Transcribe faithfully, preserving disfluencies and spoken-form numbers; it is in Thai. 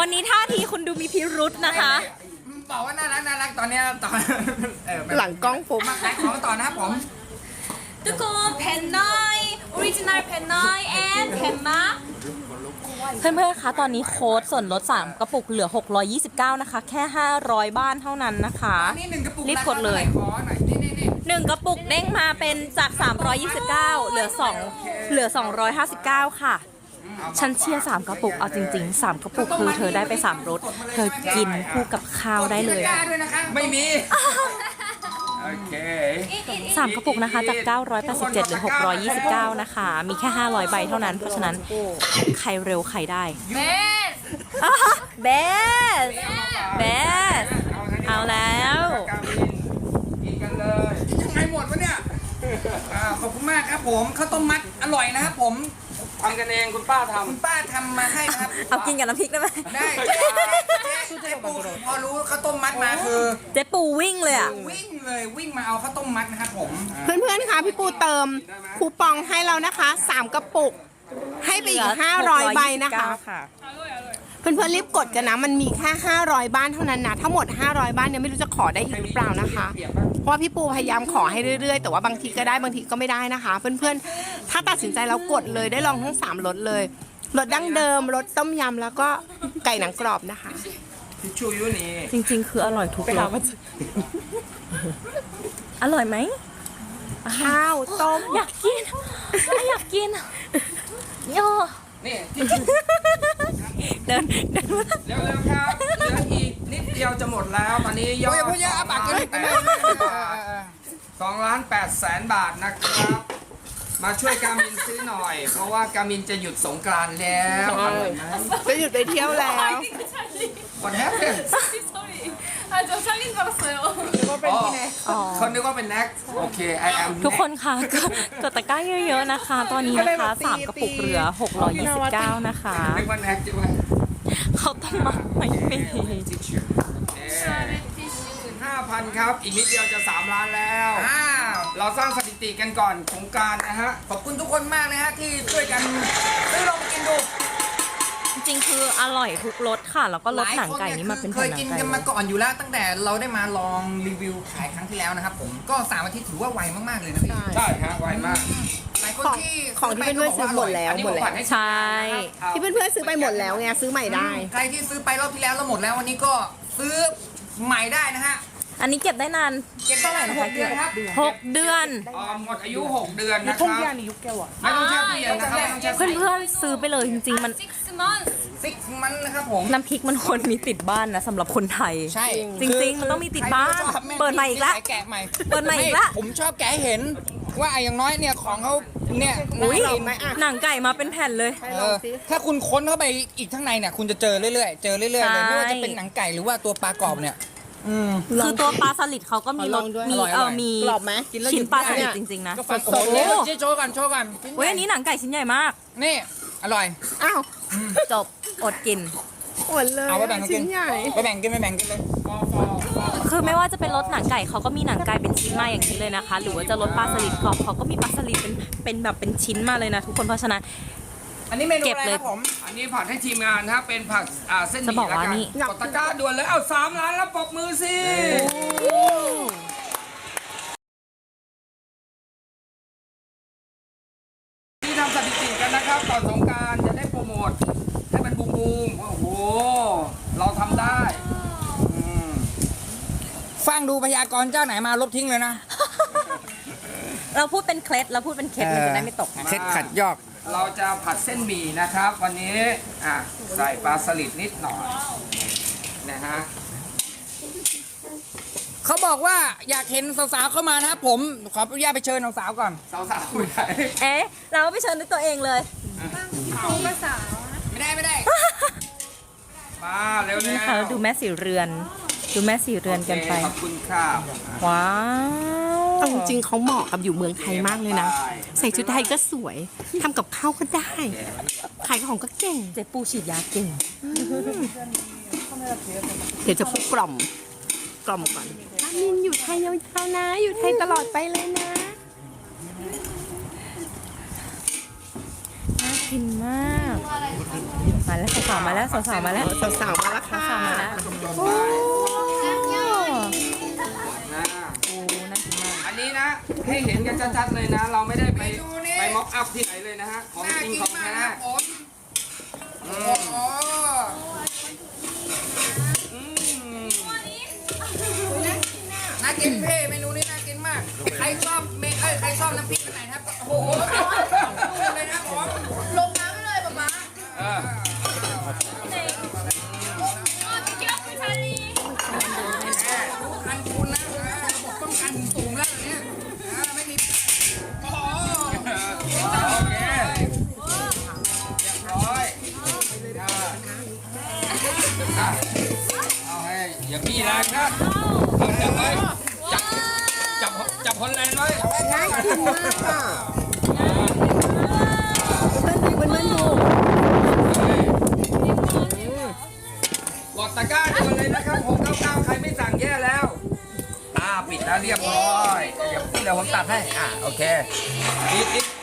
วันนี้ท่าทีคุณดูมีพิรุษนะคะบอกว่าน่ารักน่ารักตอนนี้ตอนหลังกล้องผมมาขายของต่อนะครับผมทุกคนแผ่นน้อยออริจินัลแผ่นน้อยแอนแผ่นมาเพื่อนๆคะตอนนี้โค้ดส่วนลดสามกระปุกเหลือหกร้อยยี่สิบเก้านะคะแค่ห้าร้อยบ้านเท่านั้นนะคะรีบกดเลยหนึ่งกระปุกเด้งมาเป็นจากสามร้อยยี่สิบเก้าเหลือสองเหลือสองร้อยห้าสิบเก้าค่ะฉันเชียร์สามกระปุกเอาจริงๆสามกระปุกคือเธอได้ไปสามรสเธอกินคู่กับข้าวได้เลยไม่มีโอเคสามกระปุกนะคะจากเก้าร้อยแปดสิบเจ็ดเหลือหกร้อยยี่สิบเก้านะคะมีแค่ห้าร้อยใบเท่านั้นเพราะฉะนั้นใครเร็วใครได้เบสเบสเบสเอาแล้วกินกันเลยยังไงหมดวะเนี่ยขอบคุณมากครับผมข้าวต้มมัดอร่อยนะครับผมทำกันเองคุณป้าทำคุณป้าทำมาให้นะครับเอากินกับน้ำพริกได้ไหมได้เจ๊ปูพอรู้ข้าวต้มมัดมาคือเจ๊ปูวิ่งเลยอ่ะวิ่งเลยวิ่งมาเอาข้าวต้มมัดนะครับผมเพื่อนๆคะพี่ปูเติมคูปองให้เรานะคะสามกระปุกให้ไปอีกห้าร้อยใบนะคะเพื่อนๆรีบกดกันนะมันมีแค่ห้าร้อยบ้านเท่านั้นนะทั้งหมดห้าร้อยบ้านเนี่ยไม่รู้จะขอได้อีกหรือเปล่านะคะเพราะว่าพี่ปูพยายามขอให้เรื่อยๆแต่ว่าบางทีก็ได้บางทีก็ไม่ได้นะคะเพื่อนๆถ้าตัดสินใจแล้วกดเลยได้ลองทั้งสามรสเลยรสดั้งเดิมรสต้มยำแล้วก็ไก่หนังกรอบนะคะทิชชู่ยูนี่จริงๆคืออร่อยทุกรสอร่อยไหมข้าวต้มอยากกินอยากกินโย่นี่เดินเดินเร็วๆครับเหลืออีกนิดเดียวจะหมดแล้วตอนนี้ยอดสองล้านแปดแสนบาทนะครับมาช่วยกามินซื้อหน่อยเพราะว่ากามินจะหยุดสงกรานต์แล้วจะหยุดไปเที่ยวแล้ววันแฮปปี้ 아, 저 찰린 줄 알았어요. คนนึกว่าเป็นแน็กโอเค I am ทุกคนค่ะกดตะกร้าเยอะๆนะคะตอนนี้นะคะสามกระปุกเหลือหกร้อยยี่สิบเก้านะคะนึกว่าแน็กใช่ไหมเขาต้องมาไม่มีห้าพันครับอีกนิดเดียวจะสามล้านแล้วเราสร้างสถิติกันก่อนสงกรานต์นะฮะขอบคุณทุกคนมากนะฮะที่ช่วยกันซื้อลองกินดูจริงๆคืออร่อยทุกรสค่ะแล้วก็รสหนังไก่นี่มาเป็นเคยกินกันมาก่อนอยู่แล้วตั้งแต่เราได้มาลองรีวิวขายครั้งที่แล้วนะครับผมก็สามอาทิตย์ถือว่าไวมากๆเลยนะพี่ใช่ฮะไวมากหลายคนที่ของที่เพื่อนๆซื้อหมดแล้วหมดแล้วใช่ที่เพื่อนๆซื้อไปหมดแล้วไงซื้อใหม่ได้ใครที่ซื้อไปรอบที่แล้วแล้วหมดแล้ววันนี้ก็ซื้อใหม่ได้นะฮะอันนี้เก็บได้นานเก็บเท่าไหร่นะคะเดือนครับหกเดือนหมดอายุหกเดือนนะครับไม่ต้องแช่ตู้เย็นนะครับเพื่อนๆซื้อไปเลยจริงๆมันซิกมันนะครับผมน้ำพริกมันควรมีติดบ้านนะสำหรับคนไทยใช่จริงๆมันต้องมีติดบ้านเปิดใหม่อีกแล้วแกะใหม่เปิดใหม่อีกแล้วผมชอบแกะเห็นว่าไอ้อย่างน้อยเนี่ยของเขาเนี่ยหนังไก่มาเป็นแผ่นเลยถ้าคุณค้นเข้าไปอีกข้างในเนี่ยคุณจะเจอเรื่อยๆเจอเรื่อยๆเลยไม่ว่าจะเป็นหนังไก่หรือว่าตัวปลากรอบเนี่ยคือตัวปลาสลิดเขาก็มีรสมีเออมีชิ้นปลาสลิดจริงๆนะโอ้โหโชว์กันโชว์กันเว้ยอันนี้หนังไก่ชิ้นใหญ่มากนี่อร่อยอ้าวจบอดกินอดเลยเอาไปแบ่งกินไปแบ่งกินไปแบ่งกินเลยคือไม่ว่าจะเป็นรสหนังไก่เขาก็มีหนังไก่เป็นชิ้นมาอย่างนี้เลยนะคะหรือว่าจะรสปลาสลิดกรอบเขาก็มีปลาสลิดเป็นเป็นแบบเป็นชิ้นมาเลยนะทุกคนเพราะฉะนั้นอันนี้เมนูอะไรครับผมอันนี้ผัดให้ทีมงานนะครับเป็นผัดเส้นหมี่แล้วกันกดตะกร้าด่วนเลยเอาสามล้านแล้วปรบมือสิที่ทำสถิติกันนะครับก่อนสงกรานต์จะได้โปรโมทให้เป็นบูมบูมโอ้โหเราทำได้ฟังดูพยากรณ์เจ้าไหนมาลบทิ้งเลยนะเราพูดเป็นเคล็ดเราพูดเป็นเคล็ดมันจะได้ไม่ตกเคล็ดขัดยอกเราจะผัดเส้นหมี่นะครับวันนี้อ่ะใส่ปลาสลิดนิดหน่อยนะฮะเขาบอกว่าอยากเห็นสาวๆเข้ามานะครับผมขออนุญาตไปเชิญสาวๆก่อนสาวๆคุยได้เอ๊ะเราไปเชิญด้วยตัวเองเลยภาษาไม่ได้ไม่ได้มาเร็วเลยค่ะดูแม่สีเรือนดูแม่สีเรือนกันไปขอบคุณค่ะว้าวจริงๆเขาเหมาะกับอยู่เมืองไทยมากเลยนะใส่ชุดไทยก็สวยทำกับข้าวก็ได้ขายของก็เก่งเจ๊ปูฉีดยาเก่งเดี๋ยวจะพูดกล่อมกล่อมก่อนกามินอยู่ไทยยาวๆนะอยู่ไทยตลอดไปเลยนะกินมาก มาแล้วสาวๆมาแล้วสาวๆมาแล้วสาวๆมาแล้วค่ะสาวๆมาแล้วโอ้นะโหน่ากินมากอันนี้นะให้เห็นกันชัดๆเลยนะ เราไม่ได้ไปไปม็อกอัพที่ไหนเลยนะฮะของจริงของแท้อืมอืมน่ากินเพ่เมนูนี้น่ากินมาก ใครชอบเมเอ้ยใครชอบน้ำพริกอันไหนนะครับโอ้โหเลยนะผมลงน้ำไปเลยป๊าป๊าเออ 어 티켓 앞을 살리 อันคุณนะระบบป้องกันสูงแล้วเนี่ยไม่มีโอ้โหโอเคเรียบร้อยเอาให้อย่าพี่แรงนะจับไว้จับจับจับคนแรงไว้น่ากินมากค่ะเพื่อนๆดูเพื่อนๆดูกดตะกร้าด่วนเลยนะครับหกเก้าเก้าใครไม่สั่งแย่แล้วอ่าปิดแล้วเรียบร้อยเดี๋ยวเดี๋ยวผมตัดให้อ่าโอเคอีกอีก